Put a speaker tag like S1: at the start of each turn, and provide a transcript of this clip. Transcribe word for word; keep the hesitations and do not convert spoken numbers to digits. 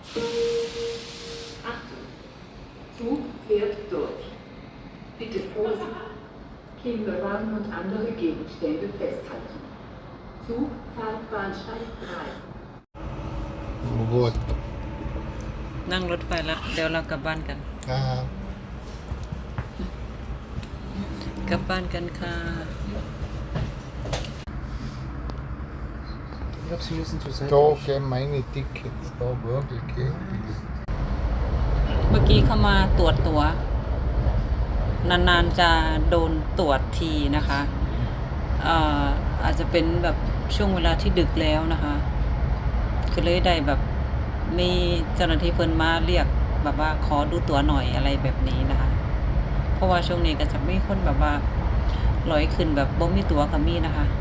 S1: Achtung, Zug fährt durch. Bitte Vorsicht. Kinderwagen und andere Gegenstände festhalten. Zug, Fahrbahnsteig drei.
S2: โบด
S3: นั่งรถไฟแล้วเดี๋ยวเรากลับบ้านกัน
S2: ครับ
S3: กลับบ้านกันค่ะ
S4: Ich glaube, Sie müssen zur Seite.
S2: โจแกไม่มีติ๊กเก็ตโตเบิร์กเก
S3: เมื่อกี้เข้ามาตรวจตัว นานๆจะโดนตรวจทีนะคะเอ่ออาจจะเป็นแบบช่วงเวลาที่ดึกแล้วนะคะคือเลยได้แบบมีเจ้าหน้าที่เพิ่นมาเรียกแบบว่าขอดูตัวหน่อยอะไรแบบนี้นะคะ เพราะว่าช่วงนี้ก็จะมีคนแบบว่าลอยขึ้นแบบบ่มีตัวก็มีนะคะ